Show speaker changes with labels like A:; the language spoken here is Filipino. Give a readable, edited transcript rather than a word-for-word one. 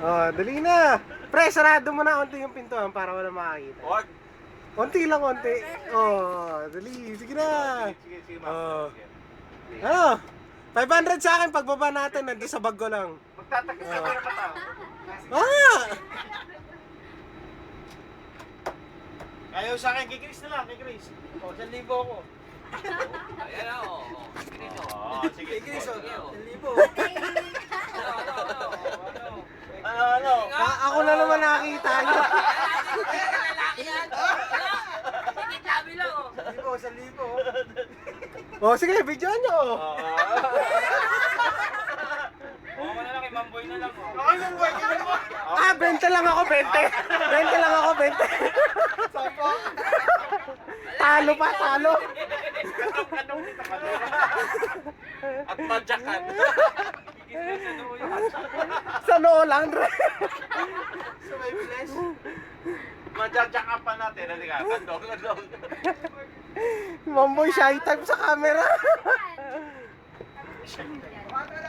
A: Oh, dali na. Pre, sarado mo na unti yung pintuan para wala makakita.
B: Wag.
A: Unti lang, unti. Oh, dali. Sige na.
B: Sige,
A: Oh.
B: sige.
A: Ano? 500 sa akin pagbaba natin. Nandun sa bag ko lang.
B: Magtatakip ka para pa tao.
A: Ah!
B: Ayaw sa akin, kay Chris na lang, kay Chris. O, 1,000 ako.
C: Ayan o. Chris o.
B: Oo, sige.
C: Kay Chris o. 1,000.
B: Ano?
A: Ako na naman nakakita nyo.
C: Lalaki yan. Sige, sabi lang o.
B: 1,000.
A: Oh, sige, videoan nyo.
B: Oo, na lang, kay Mamboy na lang. Ako yung boy, yung boy.
A: Ah, 20 lang ako, 20. 20 lang ako, 20. Talo pa, talo.
B: Kanong kita ka. At madyakan.
A: Sa noo lang, Dre.
B: So may flesh. Madyakan pa natin. Halika, kandong.
A: Mamboy shy type sa camera.